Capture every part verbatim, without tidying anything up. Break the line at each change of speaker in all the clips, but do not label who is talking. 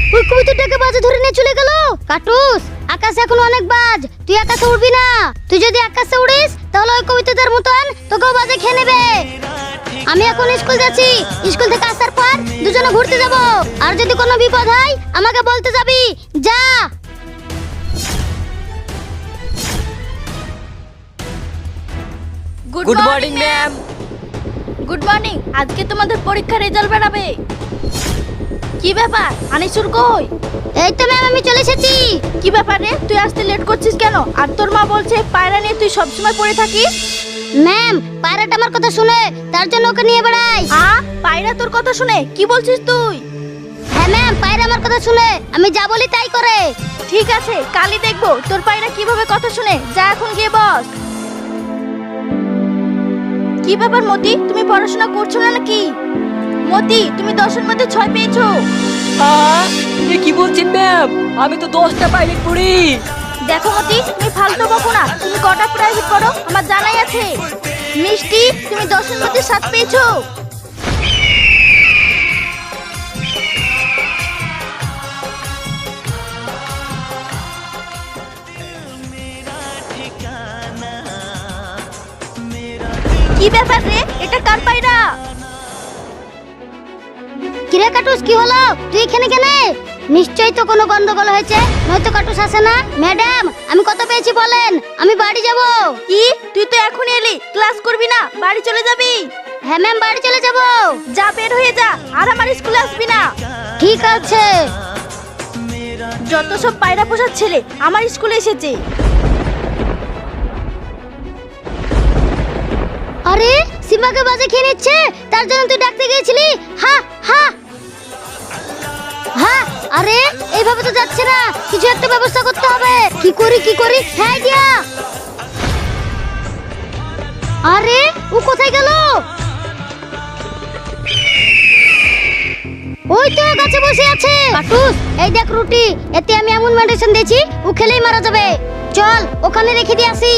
ওই কবুতরটাকে বাজে ধরে নিয়ে চলে গেল। কাটুস, আকাশে এখন অনেক বাজ, তুই আকাশে উড়বি না। তুই যদি আকাশে উড়িস তাহলে ওই কবুতরটার মতন তোকেও বাজে খেয়ে নেবে। আমি এখন স্কুল যাচ্ছি, স্কুল থেকে আসার পর দুজনে ঘুরতে যাব। আর যদি কোনো বিপদ হয় আমাকে বলতে যাবি। যা।
Good morning ma'am. Good morning. আজকে তোমাদের পরীক্ষার রেজাল্ট বেরাবে। কি ব্যাপার, আনিসুর কই?
এই তো ম্যাম, আমি চলে এসেছি।
কি ব্যাপার রে, তুই আসতে লেট করছিস কেন? আর তোর মা বলছে পায়রা নিয়ে তুই সবসময় পড়ে থাকিস।
ম্যাম, পায়রাটা আমার কথা শুনে, তার জন্য ওকে নিয়ে বেড়াই।
আ পায়রা তোর কথা শুনে? কি বলছিস তুই?
হ্যাঁ ম্যাম, পায়রা আমার কথা শুনে, আমি যা বলি তাই করে।
ঠিক আছে, কালই দেখবো তোর পায়রা কিভাবে কথা শুনে। যা এখন গিয়ে বস। কি ব্যাপার মতি, তুমি পড়াশোনা করছো না নাকি? মতি, তুমি দশের মধ্যে ছয় পেয়েছো।
এ কি বলছেন ম্যাম? আমি তো দশটা পাইলট পড়ি।
দেখো মতি, তুমি ফালতু বকো না। তুমি কটা প্রাইভেট পড়ো আমার জানাই আছে। মিষ্টি, তুমি দশের মধ্যে সাত পেয়েছো। কি ব্যাপার রে, এটা কার পায়রা?
কিরে কাটুস, কি হলো? তুই এখানে কেন? নিশ্চয়ই তো কোনো গন্ডগোল হয়েছে, নয়তো কাটুস আসে না। ম্যাডাম, আমি কত পেয়েছি বলেন, আমি বাড়ি যাব।
কি, তুই তো এখন এলি, ক্লাস করবি না, বাড়ি চলে যাবি?
হ্যাঁ ম্যাম, বাড়ি চলে যাব।
যা, বের হয়ে যা, আর আমার স্কুলে আসবি না।
ঠিক আছে।
যত সব পায়রা পোষার ছেলে আমার স্কুলে এসেছে।
আরে, সীমাকে বাজে খেয়ে নিচ্ছে, তার জন্য তুই ডাকতে গিয়েছিলি? হা হা হা। আরে, এইভাবে তো যাচ্ছে না, কিছু একটা ব্যবস্থা করতে হবে। কি করি কি করি? হ্যাঁ দিয়া। আরে, ও কোথায় গেল? ওই তো গাছে বসে আছে। কাটুস, এই দেখ রুটি, এতে আমি এমন মেডিসিন দিয়েছি ও খেলেই মারা যাবে। চল, ওখানে রেখে দিয়ে আসি।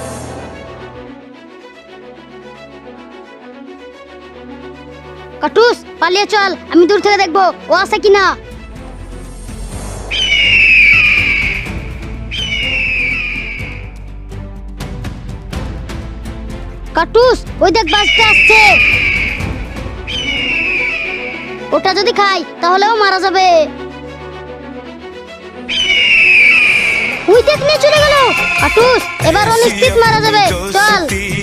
কাটুস, পালিয়ে চল, আমি দূর থেকে দেখবো ও আসে কিনা। কাটুস, ওই দেখ বাসটা আসছে। ওটা যদি খাই তাহলেও মারা যাবে। ওই দেখ নিয়ে চলে গেল। কাটুস, এবার ও নিশ্চিত মারা যাবে। চল।